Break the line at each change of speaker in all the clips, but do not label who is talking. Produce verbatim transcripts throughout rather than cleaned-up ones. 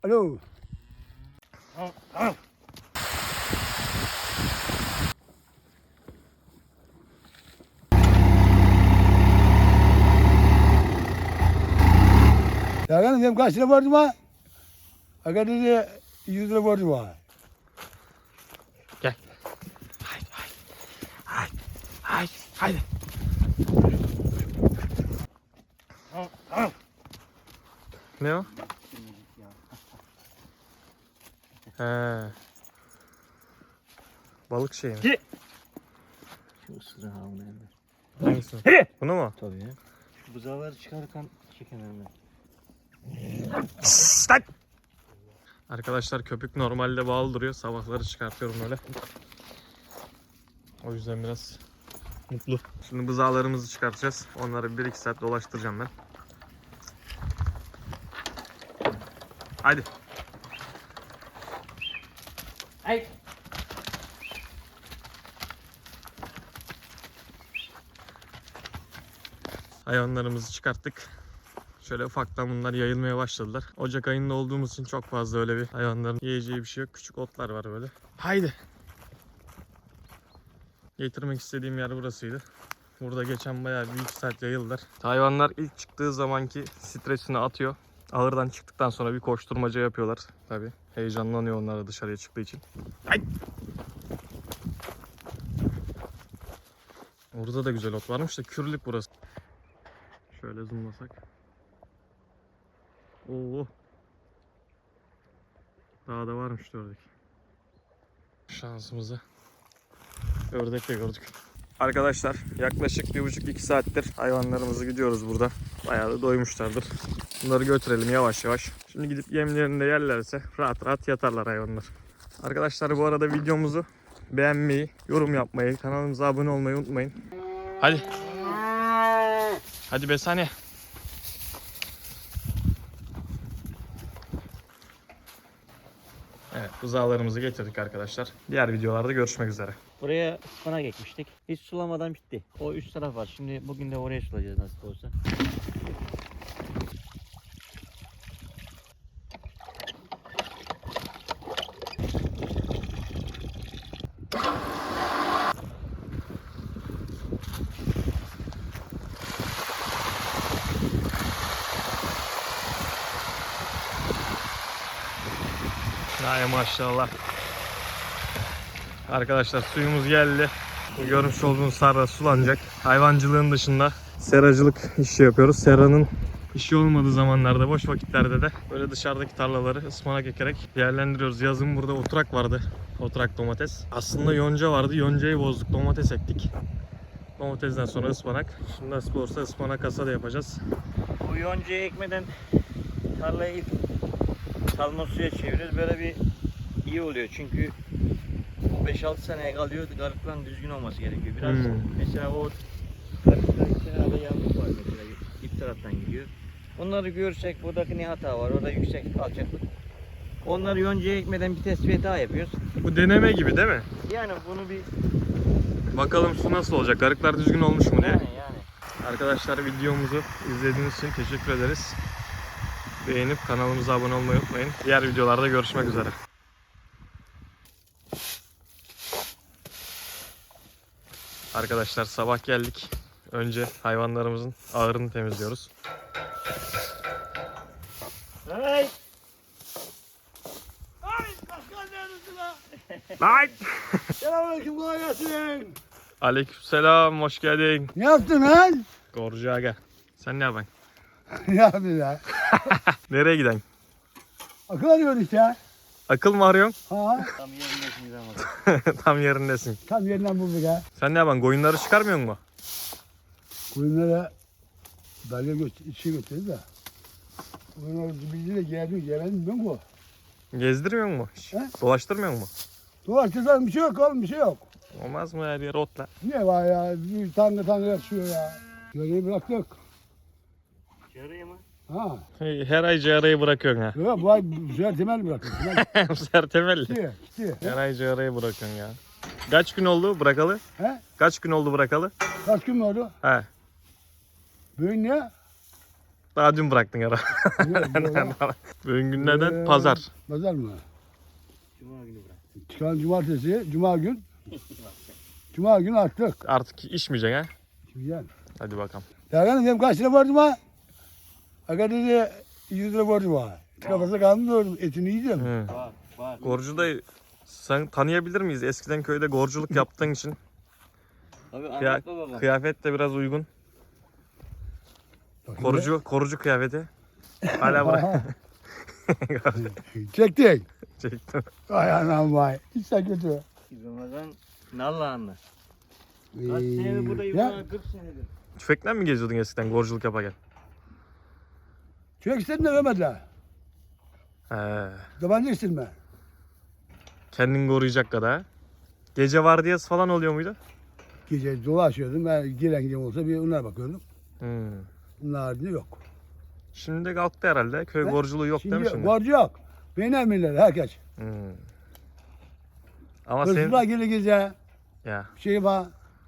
Alo.
Al, al.
Ya ben dedim kaç lira borcum var? Aga dedi yüz lira borcum var.
Gel. Haydi haydi. Haydi haydi. Haydi. Al, al. Ne o? He. Balık şeyi mi?
Şu ısırı ha bunu elde.
Hangisi? Bunu mu?
Tabii ya. Şu buzağları çıkarırken çekemem ben.
Arkadaşlar köpük normalde bağlı duruyor. Sabahları çıkartıyorum öyle. O yüzden biraz mutlu. Şimdi buzağlarımızı çıkartacağız. Onları bir iki saat dolaştıracağım ben. Haydi.
Ay.
Hayvanlarımızı çıkarttık. Şöyle ufaktan bunlar yayılmaya başladılar. Ocak ayında olduğumuz için çok fazla öyle bir hayvanların yiyeceği bir şey yok. Küçük otlar var böyle. Haydi. Getirmek istediğim yer burasıydı. Burada geçen bayağı bir iki saat yayıldılar. Hayvanlar ilk çıktığı zamanki stresini atıyor. Ahırdan çıktıktan sonra bir koşturmaca yapıyorlar. Tabii heyecanlanıyor onlar da dışarıya çıktığı için. Haydi. Orada da güzel ot varmış da kürlük burası. Şöyle zoomlasak. Oo. Daha da varmış ördek. Şansımıza ördek de gördük. Arkadaşlar yaklaşık bir buçuk iki saattir hayvanlarımızı gidiyoruz burada. Bayağı da doymuşlardır. Bunları götürelim yavaş yavaş. Şimdi gidip yemlerini de yerlerse rahat rahat yatarlar hayvanlar. Arkadaşlar bu arada videomuzu beğenmeyi, yorum yapmayı, kanalımıza abone olmayı unutmayın. Hadi. Hadi Besane. Evet, buzağlarımızı getirdik arkadaşlar. Diğer videolarda görüşmek üzere.
Buraya ıspanak ekmiştik. Hiç sulamadan bitti. O üst taraf var. Şimdi bugün de oraya sulayacağız nasıl olsa.
Ay maşallah. Arkadaşlar suyumuz geldi. Bu görmüş olduğunuz sarra sulanacak. Hayvancılığın dışında seracılık işi yapıyoruz. Seranın işi olmadığı zamanlarda, boş vakitlerde de böyle dışarıdaki tarlaları ıspanak ekerek değerlendiriyoruz. Yazın burada oturak vardı. Oturak domates. Aslında yonca vardı. Yoncayı bozduk. Domates ektik. Domatesden sonra ıspanak. Şimdi nasıl olursa ıspanak hasada yapacağız.
Bu yoncayı ekmeden tarlayı ilk salma suya çeviriyoruz. Böyle bir iyi oluyor çünkü beş altı seneye kalıyor. Garıkların düzgün olması gerekiyor. Biraz
Hmm.
mesela o garıklar kenarda yanlık var mesela ip taraftan gidiyor. Onları görürsek buradaki ne hata var? Orada yüksek alçaklık. Onları yoncaya ekmeden bir tespit daha yapıyoruz.
Bu deneme gibi değil mi?
Yani bunu bir
Bakalım su nasıl olacak? Garıklar düzgün olmuş mu diye.
yani yani.
Arkadaşlar videomuzu izlediğiniz için teşekkür ederiz. Beğenip kanalımıza abone olmayı unutmayın. Diğer videolarda görüşmek üzere. Arkadaşlar sabah geldik. Önce hayvanlarımızın ağırını temizliyoruz.
Hey!
Ay başkan neredesin lan?
Lan!
Selamünaleyküm kolay gelsin.
Aleykümselam, hoş geldin.
Ne yaptın lan?
Gorcu aga. Sen ne yapıyorsun?
Ne yaptın ya?
Nereye giden?
Akıl arıyorsun işte.
Akıl mı arıyorsun?
Ha,
Tam yerindesiniz ama.
Tam yerindesin.
tam yerinden bulduk ha.
Sen ne yapıyorsun? Koyunları çıkarmıyor mu?
Koyunlara dalga göster, içi gösterdi de. Koyunları bizi de geldi, gelelim ben bu.
Gezdirmiyor mu hiç?
He?
Dolaştırmıyor mu?
Dolaştırsan bir şey yok oğlum, bir şey yok.
Olmaz mı her yer otla?
Ne var ya, bir tane tane yatıyor ya. Görevi bıraktık.
Yarıyor mu?
Ha.
Her ay ciğereyi bırakıyorsun ha.
Yok, bu ay bu sefer temel bıraktık. Temel
Bu sefer temelli.
gitti, gitti.
Her ay ciğereyi bırakıyorsun ya. Kaç gün oldu bırakalı?
He?
Kaç gün oldu bırakalı?
Kaç gün mü oldu?
He.
Bugün ne?
Daha dün bıraktın ara. Bugün günlerden
Ee,
pazar.
Pazar mı?
Cuma günü bırak.
Çıkan cumartesi, cuma gün. Cuma gün attık.
Artık içmeyeceksin ha.
Güzel.
Hadi bakalım.
Dergan dedim kaç lira borcum var? Aga dedi yüz lira borcum var. Kafasına kalmıyorum. Etini yiyeceğim.
Hı.
Var var.
Gorcu dayı sen tanıyabilir miyiz? Eskiden köyde gorculuk yaptığın için
Abi
kıya-
anlatma baba.
kıyafet de biraz uygun.
Bak
Korucu korucu kıyafeti. Hala bırak.
Aha. Çektik.
Çektim.
Ay anam vay. Hiç de kötü.
Ramazan Nallıhanlı.
Ee,
Kaç senedir buradayım
ya,
ya? kırk senedir.
Tüfekle mi geziyordun eskiden gorculuk yaparken?
Çök istedin de vermediler.
He.
Tabanca istirme.
Kendini koruyacak kadar. Gece vardiyası falan oluyor muydu?
Gece dolaşıyordum. Ben gelen gelen olsa bir onlara bakıyordum.
Hmm.
Bunun haricinde yok.
Şimdi de kalktı herhalde. Köy
He?
gorculuğu yok değil mi şimdi?
Borcu yok. Beni emirler herkes.
Hmm. Ama senin,
Hırsızlar gelir gece.
ya,
Bir şey var.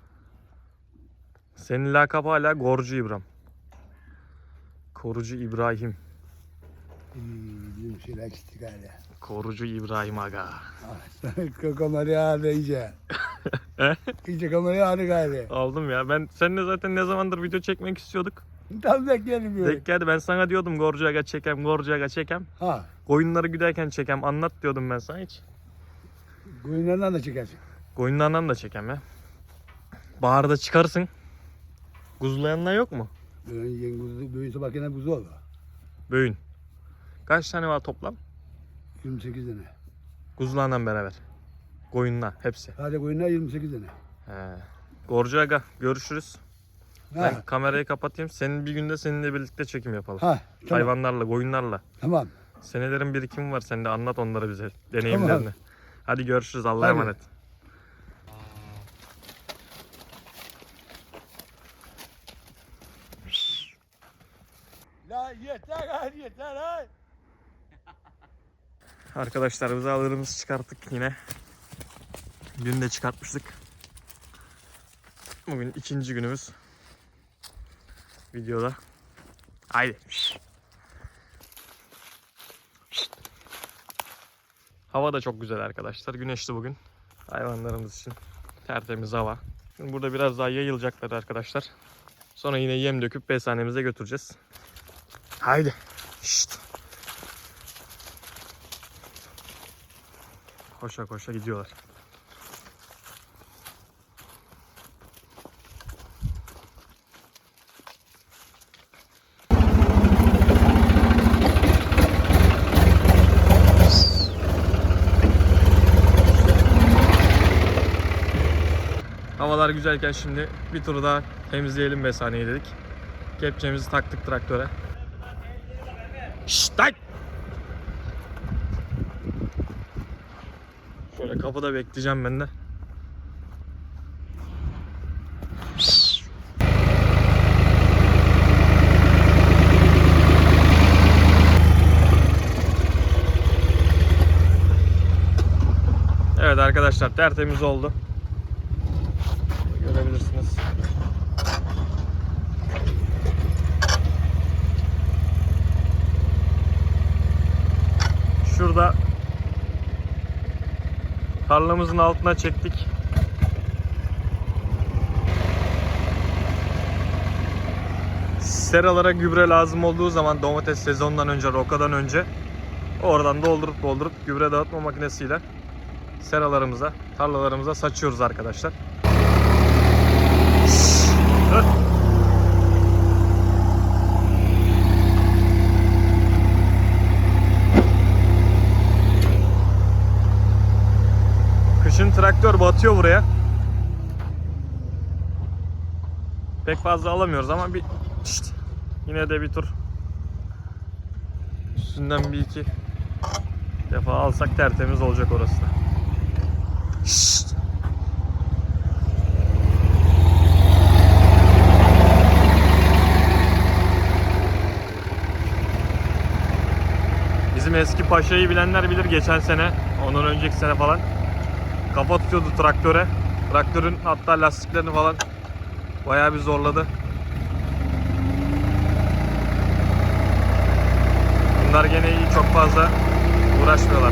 senin lakabı hala Gorcu İbrahim. Korucu İbrahim.
Ee, bizim şeyler eksik galiba.
Korucu İbrahim aga.
Ah, kamerayı ağrı iyice.
He?
İyice kamerayı ağrı galiba.
Aldım ya. Ben seninle zaten ne zamandır video çekmek istiyorduk.
Tam bekleyelim böyle.
Denk geldi. Ben sana diyordum Gorcu aga çekem, Gorcu aga çekem.
Ha.
Koyunları güderken çekem. Anlat diyordum ben sana hiç.
Koyunlarından da çekersin.
Koyunlardan da çekem ya. Baharda çıkarsın. Kuzulayanlar yok mu?
Böyle yiyen kuzu, böyle sabah gene kuzu olur.
Böğün. Kaç tane var toplam?
yirmi sekiz tane.
Kuzularla beraber. Koyunlar hepsi.
Hadi koyunlar yirmi sekiz tane.
He. Gorcu aga görüşürüz.
Ha.
Ben kamerayı kapatayım. Senin bir günde seninle birlikte çekim yapalım.
Ha. Tamam.
Hayvanlarla, koyunlarla.
Tamam.
Senelerin birikimi var. Sen de anlat onları bize. Deneyimlerini.
Tamam.
Hadi görüşürüz. Allah'a
Hadi.
emanet.
La yeter hadi yeter hadi.
Arkadaşlar buzağlarımızı çıkarttık yine. Dün de çıkartmıştık. Bugün ikinci günümüz. Videoda. Haydi. Hava da çok güzel arkadaşlar. Güneşli bugün. Hayvanlarımız için tertemiz hava. Şimdi burada biraz daha yayılacaklar arkadaşlar. Sonra yine yem döküp beshanemize götüreceğiz. Haydi. Şşt. Koşa koşa gidiyorlar. Havalar güzelken şimdi bir tur daha temizleyelim beshaneyi dedik. Kepçemizi taktık traktöre. Şşt lan! Şöyle kapıda bekleyeceğim ben de. Evet arkadaşlar tertemiz oldu. Görebilirsiniz. Şurada tarlamızın altına çektik. Seralara gübre lazım olduğu zaman domates sezonundan önce, rokadan önce oradan doldurup doldurup gübre dağıtma makinesiyle seralarımıza, tarlalarımıza saçıyoruz arkadaşlar. Kışın traktör batıyor buraya. Pek fazla alamıyoruz ama bir şşt, yine de bir tur üstünden bir iki defa alsak tertemiz olacak orası da. Şşt. Bizim eski Paşa'yı bilenler bilir, geçen sene, ondan önceki sene falan kafa tutuyordu traktöre. Traktörün hatta lastiklerini falan bayağı bir zorladı. Bunlar gene iyi, çok fazla uğraşmıyorlar.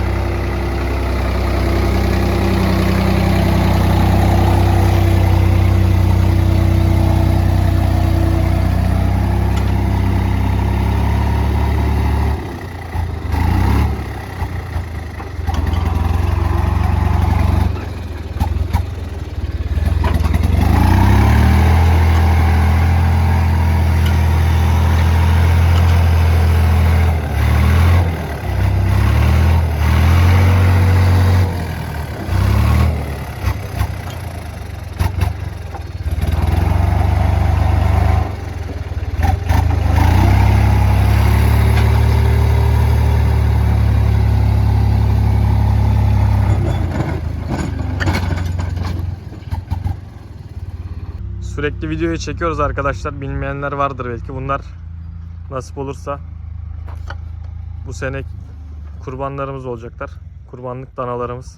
Sürekli videoyu çekiyoruz arkadaşlar. Bilmeyenler vardır belki. Bunlar nasip olursa bu sene kurbanlarımız olacaklar. Kurbanlık danalarımız.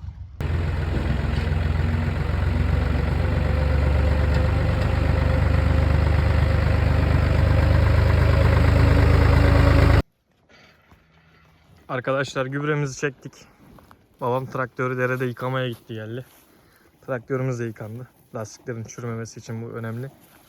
Arkadaşlar gübremizi çektik. Babam traktörü derede yıkamaya gitti geldi. Traktörümüz de yıkandı. Lastiklerin çürümemesi için bu önemli.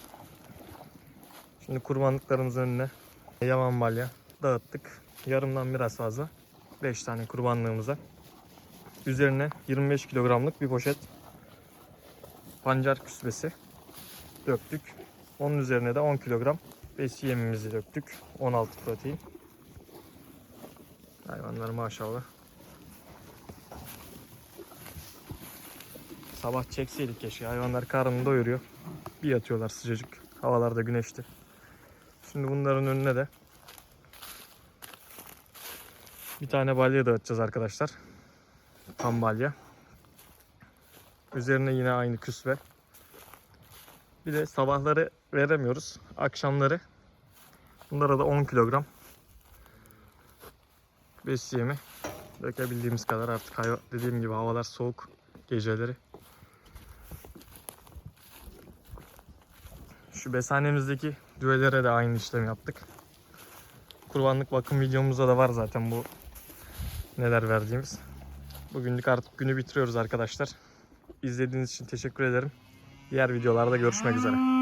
Şimdi kurbanlıklarımızın önüne yaman balya dağıttık. Yarımdan biraz fazla. beş tane kurbanlığımıza. Üzerine yirmi beş kilogramlık bir poşet pancar küsbesi döktük. Onun üzerine de on kilogram besi yemimizi döktük. on altı protein. Hayvanlar maşallah. Sabah çekseydik keşke. Hayvanlar karnını doyuruyor. Bir yatıyorlar sıcacık. Havalarda güneşli. Şimdi bunların önüne de bir tane balya dağıtacağız arkadaşlar. Tam balya. Üzerine yine aynı küsve. Bir de sabahları veremiyoruz. Akşamları bunlara da on kilogram besi yemi dökebildiğimiz kadar, artık hayvan, dediğim gibi havalar soğuk geceleri. Şu beshanemizdeki düvelere de aynı işlemi yaptık. Kurbanlık bakım videomuzda da var zaten bu neler verdiğimiz. Bugünlük artık günü bitiriyoruz arkadaşlar. İzlediğiniz için teşekkür ederim. Diğer videolarda görüşmek üzere.